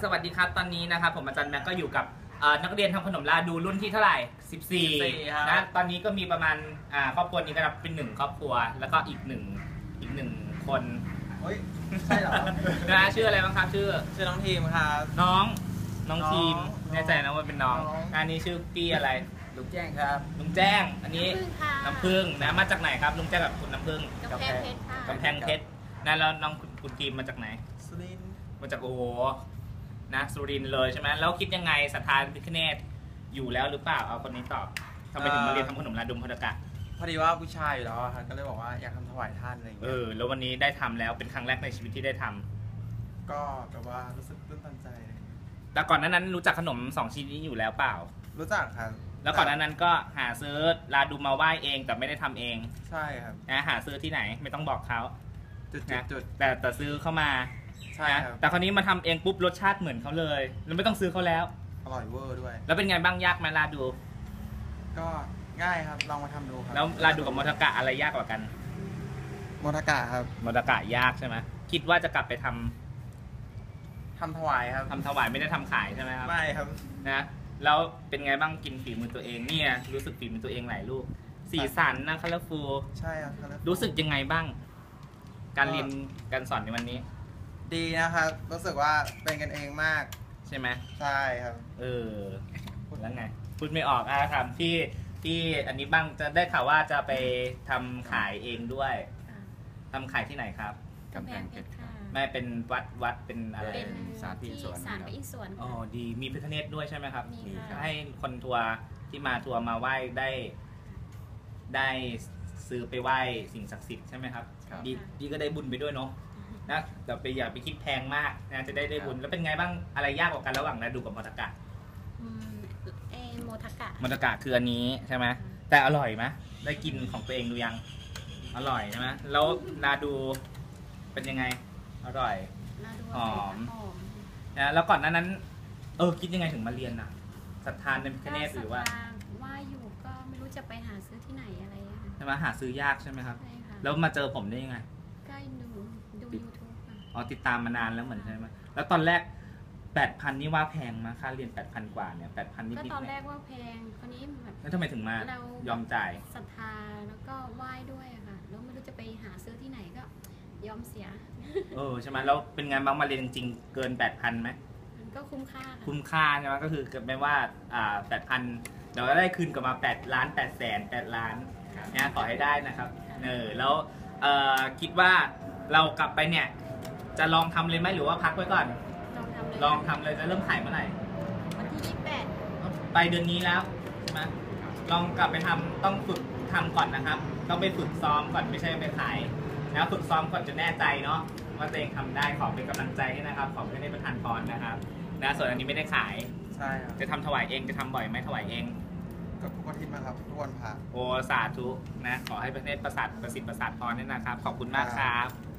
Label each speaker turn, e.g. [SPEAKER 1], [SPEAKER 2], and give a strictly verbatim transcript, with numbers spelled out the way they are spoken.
[SPEAKER 1] สวัสดีครับตอนนี้นะครับผมอาจารย์แม็กก็อยู่กับนักเรียนทำขนมลาดูรุ่นที่เท่าไหร่สิบสี่นะตอนนี้ก็มีประมาณครอบครัวนี้ก็นับเป็นหนึ่งครอบครัวแล้วก็อีกหนึ่งอีกหนึ่งคน
[SPEAKER 2] เฮ้ยใช่เหรอ
[SPEAKER 1] นะชื่ออะไรบ้างครับชื่อ
[SPEAKER 2] ชื่อน้องทีมครับ
[SPEAKER 1] น้องน้องทีมแน่ใจนะว่าเป็นน้องอันนี้ชื่อพี่อะไร
[SPEAKER 2] ลุงแจ้งครับ
[SPEAKER 1] ลุงแจ้งอันนี้น้ำผึ้งนะมาจากไหนครับลุงแจ้งกับคุณน้ำผึ้ง
[SPEAKER 3] กำแพงเพชรค่ะ
[SPEAKER 1] กำแพงเพชรนะแล้วน้องคุณทีมมาจากไหน
[SPEAKER 2] สุรินทร์
[SPEAKER 1] มาจากโอ้โหนะสุรินทร์เลยใช่ไหมแล้วคิดยังไงศรัทธาพระพิฆเนศอยู่แล้วหรือเปล่าเอาคนนี้ตอบทำไมถึงมาเรียนทำขนมลาดุมพอดกะ
[SPEAKER 2] พอดีว่าผู้ชายอยู่แล้วครับก็เลยบอกว่าอยากทำถวายท่านอะไรอย่างเงี้ย
[SPEAKER 1] เออแล้ววันนี้ได้ทำแล้วเป็นครั้งแรกในชีวิตที่ได้ทำ
[SPEAKER 2] ก็แบบว่ารู้สึกตื้นตันใจ
[SPEAKER 1] แต่ก่อนนั้นรู้จักขนมสองชนิดนี้อยู่แล้วเปล่า
[SPEAKER 2] รู้จักครับ
[SPEAKER 1] แล้วก่อนนั้นก็หาซื้อลาดุมมาไหว้เองแต่ไม่ได้ทำเอง
[SPEAKER 2] ใช่ครับ
[SPEAKER 1] นะหาซื้อที่ไหนไม่ต้องบอกเขา
[SPEAKER 2] นะ
[SPEAKER 1] แต่แต่ซื้อเข้ามา
[SPEAKER 2] ใช่ครับ
[SPEAKER 1] แต่คราวนี้มาทำเองปุ๊บรสชาติเหมือนเขาเลยแล้วไม่ต้องซื้อเขาแล้ว
[SPEAKER 2] อร่อยเวอร์ด้วย
[SPEAKER 1] แล้วเป็นไงบ้างยากไหมลาดู
[SPEAKER 2] ก็ง่ายครับลองมาทำดูครับ
[SPEAKER 1] แล้วลาดูกับมอทกะอะไรยากกว่ากัน
[SPEAKER 2] มอทกะครับ
[SPEAKER 1] มอทกะยากใช่ไหมคิดว่าจะกลับไปทำ
[SPEAKER 2] ทำถวายครับ
[SPEAKER 1] ทำถวายไม่ได้ทำขายใช่ไหมครับ
[SPEAKER 2] ไม่ครับ
[SPEAKER 1] นะแล้วเป็นไงบ้างกินฝีมือตัวเองเนี่ยรู้สึกฝีมือตัวเองหลายลูกสีสันนะคัลเลอร์ฟูล
[SPEAKER 2] ใช่ครับ
[SPEAKER 1] รู้สึกยังไงบ้างการเรียนการสอนในวันนี้
[SPEAKER 2] ดีนะครับรู้สึกว่าเป็นกันเองมาก
[SPEAKER 1] ใช่ไหม
[SPEAKER 2] ใช่ครับ
[SPEAKER 1] เออแล้วไงพูดไม่ออกอ่ะถามที่ที่อันนี้บ้างจะได้ข่าวว่าจะไปทำขายเองด้วยทำขายที่ไหนครับ
[SPEAKER 3] กำแพงเพชรค่ะ
[SPEAKER 1] ไม่เป็นวัดวัดเป็นอะไร
[SPEAKER 3] เป็น
[SPEAKER 1] สาร
[SPEAKER 3] พิอินสารพิอินสวน
[SPEAKER 1] อ๋อดีมีพระพิฆเนศด้วยใช่ไหมครับ
[SPEAKER 3] มี
[SPEAKER 1] ให้คนทัวร์ที่มาทัวร์มาไหว้ได้ได้ซื้อไปไหว้สิ่งศักดิ์สิทธิ์ใช่ไหมครับดีดีก็ได้บุญไปด้วยเนาะนะแต่ไปอย่าไปคิดแพงมากนะจะได้ได้บุญแล้วเป็นไงบ้างอะไรยากกว่ากันระหว่างลาดูกับมอทกะ
[SPEAKER 3] เอโมทกะ
[SPEAKER 1] มอทกะคืออันนี้ใช่ไหมแต่อร่อยไหมได้กินของตัวเองดูยังอร่อยใช่ไหมแล้วลาดูเป็นยังไงอร่อยหอมนะแล้วก่อนนั้นนั้นเออคิดยังไงถึงมาเรียนน่ะศรัทธาในพระพิฆเนศหรือว่า
[SPEAKER 3] ว่าอยู่ก็ไม่รู้จะไปหาซื้อที่ไหนอะไร
[SPEAKER 1] ใช่ไหมหาซื้อยากใช่ไหมครับแล้วมาเจอผมได้ยังไง
[SPEAKER 3] ก็ดูดูยูทูบ
[SPEAKER 1] อ๋อติดตามมานานแล้วเหมือนใช่ไหมแล้วตอนแรกแปดพันนี่ว่าแพงมาค่าเรียนแปดพันกว่าเนี่ยแปดพันนิด
[SPEAKER 3] ๆก็ตอนแรกว่าแพงคราวนี้แบบ
[SPEAKER 1] แล้วทำไมถึงมายอมจ่าย
[SPEAKER 3] ศรัทธาแล้วก็ไหว้ด้วยอะค่ะแล้วไม่รู้จะไปหาซื้อที่ไหนก็ยอมเสีย
[SPEAKER 1] เออใช่ไหมแล้วเป็นไงบ้างมาเรียนจริงเกินแปดพันไหม
[SPEAKER 3] ก็คุ้มค่า
[SPEAKER 1] คุ้มค่าใช่ไหมก็คือเกิดไม่ว่าอ่าแปดพันเดี๋ยวได้คืนกลับมาแปดล้านแปดแสนแปดล้านนะขอให้ได้นะครับเออแล้วเอ่อคิดว่าเรากลับไปเนี่ยจะลองทำเลยไหมหรือว่าพักไว้ก่อนลองทำเลยจะเริ่มขายเมื่อไหร่
[SPEAKER 3] วันที่ยี่สิบแปด
[SPEAKER 1] ไปเดือนนี้แล้วใช่ไหมลองกลับไปทำต้องฝึกทำก่อนนะครับต้องไปฝึกซ้อมก่อนไม่ใช่ไปขายนะฝึกซ้อมก่อนจะแน่ใจเนาะว่าตัวเองทำได้ขอเป็นกำลังใจให้นะครับขอไม่ได้ประทานพรนะครับนะส่วนอันนี้ไม่ได้ขาย
[SPEAKER 2] ใช่ครับ
[SPEAKER 1] จะทำถวายเองจะทำบ่อยไหมถวายเอง
[SPEAKER 2] ก็ทุกอาทิตย์นะครับทุกวันพระ
[SPEAKER 1] โอ้สาธุนะขอให้พระเนตรประสาทประสิทธิ์ประสาทพรนี่นะครับขอบคุณมากครับ